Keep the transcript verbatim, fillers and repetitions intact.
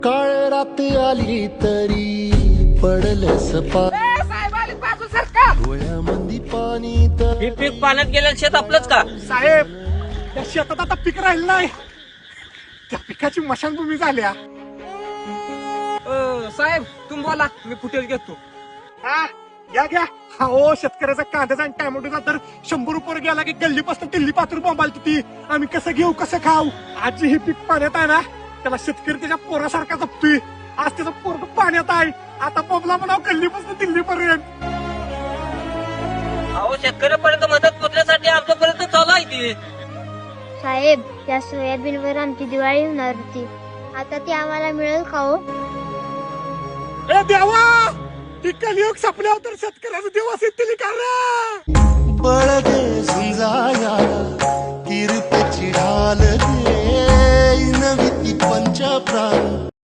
काळ रात आली तरी पडलस पा साहेब आले बाजू सरका डोळ्यामंदी पाणी तर हे पीक पाण्यात गेलेलं शेत आपलंच का? साहेब त्या शेतात आता पीक राहिलं नाही, त्या पिकाची मशानभूमी झाल्या. साहेब तुम्ही बोला, मी फुटेज घेतो. हा घ्या घ्या. हा ओ शेतकऱ्याचा कांद्याचा आणि टॅमॅटोचा तर शंभर रुपये गेला की गल्लीपासून दिल्ली पात्र बोंबालती ती. आम्ही कसं घेऊ कसं खाऊ? आज हे पीक पाण्यात आहे ना, त्याला शेतकरी त्याच्या पोरासारखा जपतोय. आज त्याचं पोरग पाण्यात आहे, आता बोंबला म्हणाव गल्लीपासून दिल्लीपर्यंत. अहो शेतकऱ्यापर्यंत मदत पोहोचण्यासाठी आमच्यापर्यंत चालू आहे ती. साहेब, त्या सोयाबीनवर आमची दिवाळी होणार होती, आता ती आम्हाला मिळेल का हो? ए देवा, ती कलियुग संपल्यावर तर शेतकऱ्याचे दिवस येतील का रे? बळ दे झुंजाया किरपेची ढाल दे नवी ती पंच प्राण